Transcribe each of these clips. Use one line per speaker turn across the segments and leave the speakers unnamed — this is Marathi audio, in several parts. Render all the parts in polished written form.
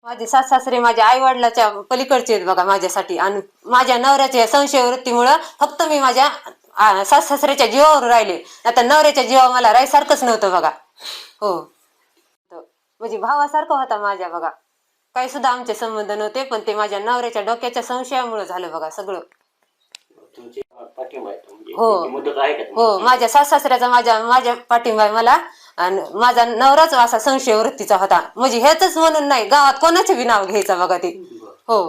माझे सासरे माझ्या आई वडिलाच्या पलीकडचे आहेत बघा माझ्यासाठी. आणि माझ्या नवऱ्याच्या संशय वृत्तीमुळं फक्त मी माझ्या सासऱ्याच्या जीवावर राहिले. आता नवऱ्याच्या जीवा मला राहायसारखंच नव्हतं बघा. हो, म्हणजे भावासारखं होता माझ्या बघा. काही सुद्धा आमचे संबंध नव्हते, पण ते माझ्या नवऱ्याच्या डोक्याच्या संशयामुळे झालं बघा सगळं. हो हो, माझ्या सासऱ्याचा माझ्या पाठिंबा आहे मला. आणि माझा नवराच असा संशय वृत्तीचा होता. म्हणजे हेच म्हणून नाही, गावात कोणाचे बी नाव घ्यायचं बघा ते. हो,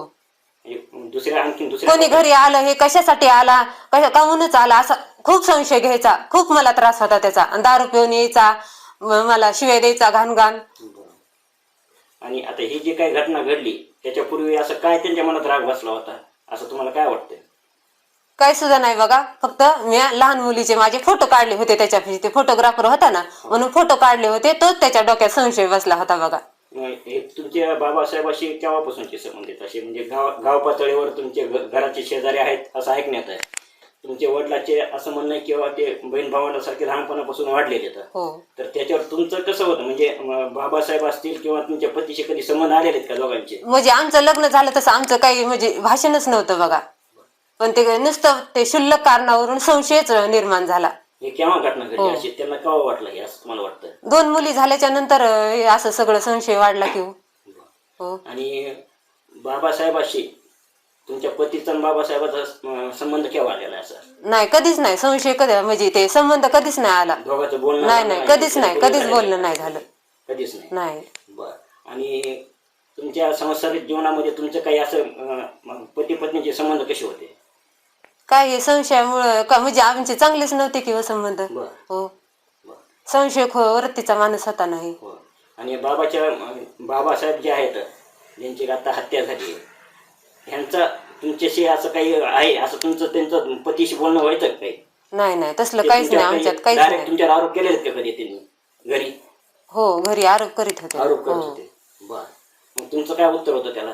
कोणी घरी आलं हे कशासाठी आला, काहूनच आला असा खूप संशय घ्यायचा. खूप मला त्रास होता त्याचा. दारू पिऊन यायचा, मला शिव्या द्यायचा घाण.
आणि आता ही जी काही घटना घडली त्याच्यापूर्वी असं काय त्यांच्या मनात राग बसला होता असं तुम्हाला काय वाटतंय?
काही सुद्धा नाही बघा. फक्त मी लहान मुलीचे माझे फोटो काढले होते त्याच्यापाशी. ते फोटोग्राफर होता ना, म्हणून फोटो काढले होते. तोच त्याच्या डोक्यात संशय बसला होता बघा.
हे तुमच्या बाबासाहेबाशी केव्हापासूनचे संबंधित असे म्हणजे गाव पातळीवर तुमचे घराचे शेजारी आहेत असं ऐकण्यात आहे. तुमच्या वडिलाचे असं म्हणणं आहे किंवा ते बहीण भावांसारखे लहानपणापासून वाढलेले आहेत. तर त्याच्यावर तुमचं कसं होतं म्हणजे बाबासाहेब असतील किंवा तुमच्या पतीशी कधी संबंध आलेले आहेत का दोघांचे?
म्हणजे आमचं लग्न झालं तसं आमचं काही म्हणजे भाषणच नव्हतं बघा. पण ते नुसतं ते क्षुल्लक कारणावरून संशयच निर्माण झाला.
हे केव्हा घटना घडली अशी त्यांना केव्हा वाटलं हे असं तुम्हाला वाटतं?
2 मुली झाल्याच्या नंतर असं सगळं संशय वाढला की हो.
आणि बाबासाहेबाशी तुमच्या पतीचा आणि बाबासाहेबाचा संबंध केव्हा आलेला आहे? असं
नाही, कधीच नाही. संशय कधी म्हणजे ते संबंध कधीच नाही आला.
दोघांचं बोलणं
नाही, कधीच बोलणं नाही झालं.
कधीच नाही.
बर.
आणि तुमच्या सांसारिक जीवनामध्ये तुमचं काही असं पती पत्नीचे संबंध कसे होते?
काय हे संशयामुळं का म्हणजे आमचे चांगलेच नव्हते किंवा संबंध. हो, संशय वृत्तीचा माणूस होता नाही.
आणि बाबासाहेब जे आहेत ज्यांची आता हत्या झाली ह्यांचा तुमच्याशी असं काही आहे असं तुमचं त्यांचं पतीशी बोलणं व्हायचं काही?
नाही, तसलं काहीच नाही आमच्यात. काहीच नाही.
तुमच्यावर आरोप केले आहेत का कधी त्यांनी घरी?
हो, घरी आरोप करीत होते.
बर. मग तुमचं काय उत्तर होतं त्याला?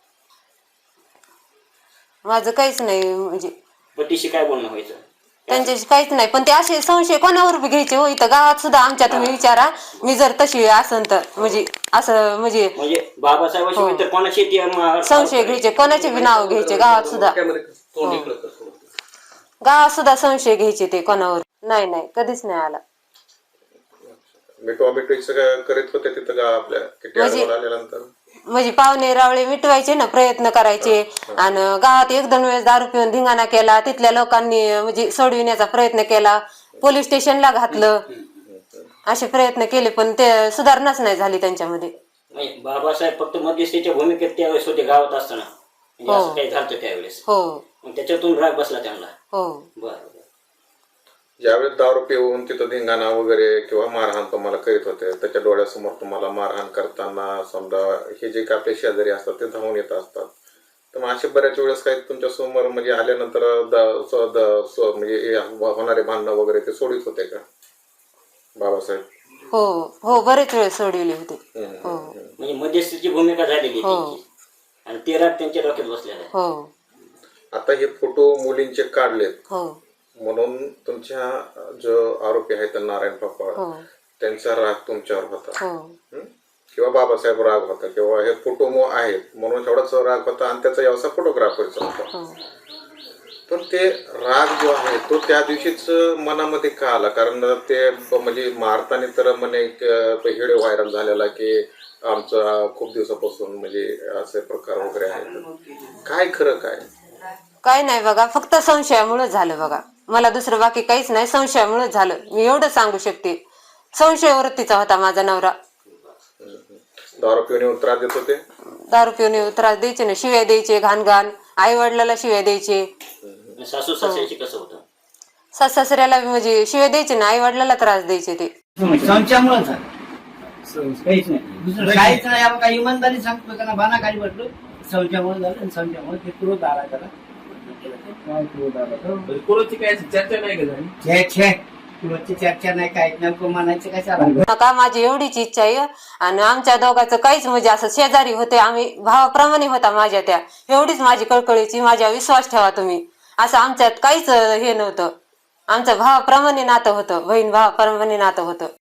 माझं काहीच नाही. म्हणजे
पतीशी काय बोलणं व्हायचं?
त्यांच्याशी काहीच नाही. पण ते असे संशय कोणावर बी घ्यायचे हो. इथं गावात सुद्धा आमच्या तुम्ही विचारा, मी जर तशी असन तर म्हणजे असं म्हणजे
बाबासाहेबांशी तर कोणाशी
संशय घ्यायचे, कोणाचे बी नाव घ्यायचे गावात सुद्धा. गावात सुद्धा संशय घ्यायचे ते कोणावर. नाही, कधीच नाही आला.
करीत होते तिथं का आपल्या
म्हणजे पाहुणे रावळे मिटवायचे ना, प्रयत्न करायचे. आणि गावात 1-2 वेळेस दारू पिऊन धिंगाणा केला. तिथल्या लोकांनी म्हणजे सोडविण्याचा प्रयत्न केला, पोलीस स्टेशनला घातलं, असे प्रयत्न केले. पण ते सुधारणाच नाही झाली त्यांच्यामध्ये.
बाबासाहेब फक्त मध्यस्थीच्या भूमिकेत त्यावेळेस होते गावात असताना असं काही झालं त्यावेळेस.
हो,
त्याच्यातून राग बसला त्यांना.
हो.
बरं.
ज्यावेळेस दारू पिऊन तिथं धिंगाणा वगैरे किंवा मारहाण तुम्हाला करीत होते, त्याच्या डोळ्यासमोर तुम्हाला मारहाण करताना समजा हे जे काही आपले शेजारी असतात ते धावून येत असतात, तर मग असे बऱ्याच वेळेस काही तुमच्या समोर म्हणजे आल्यानंतर म्हणजे होणारे भांडणं वगैरे ते सोडित होते का बाबासाहेब?
हो, बरेच वेळ सोडविले होते.
म्हणजे मध्यस्थीची भूमिका झालेली आणि ते राग त्यांच्या डोक्यात बसलेला आहे.
हो.
आता हे फोटो मुलींचे काढलेत.
हो.
म्हणून तुमच्या जो आरोपी आहेत नारायण पापा त्यांचा राग तुमच्यावर होता किंवा बाबासाहेब राग होता किंवा हे फोटो आहेत म्हणून एवढाच राग होता आणि त्याचा व्यवसाय फोटोग्राफरचा होता. पण ते राग जो आहे तो त्या दिवशीच मनामध्ये का आला? कारण ते म्हणजे मारताना तर म्हणे व्हिडिओ व्हायरल झालेला की आमचा खूप दिवसापासून म्हणजे असे प्रकार वगैरे आहेत. काय खरं काय
नाही बघा, फक्त संशयामुळे झालं बघा. मला दुसरं बाकी काहीच नाही, संशयामुळे झालं. मी एवढं सांगू शकते. संशय वृत्तीचा होता माझा नवरा.
दारू पिऊन त्रास देत होते?
दारू पिऊन त्रास द्यायचे ना, शिव्या द्यायचे घाण. आई वडिलाला शिव्या द्यायचे.
सासू सासऱ्याशी कसं होतं?
सासऱ्याला म्हणजे शिव्या द्यायचे ना, आई वडिलाला त्रास द्यायचे ते.
संशयामुळे काहीच नाही, काहीच नाही. आपण काही इमानदारी सांगतो त्यांना बाना काही म्हटलं संशयामुळे झालं. संशयामुळे ते क्रोध आला त्याला.
चर्चा नाही का झाली?
चर्चा नाही, काय नको म्हणायचं कशाला
का. माझी एवढीच इच्छा आहे. आणि आमच्या दोघांचं काहीच म्हणजे असं शेजारी होते, आम्ही भावाप्रमाणे होता माझ्या त्या. एवढीच माझी कळकळीची, माझ्या विश्वास ठेवा तुम्ही. असं आमच्यात काहीच हे नव्हतं. आमचं भावाप्रमाणे नातं होतं, बहीण भावाप्रमाणे नातं होतं.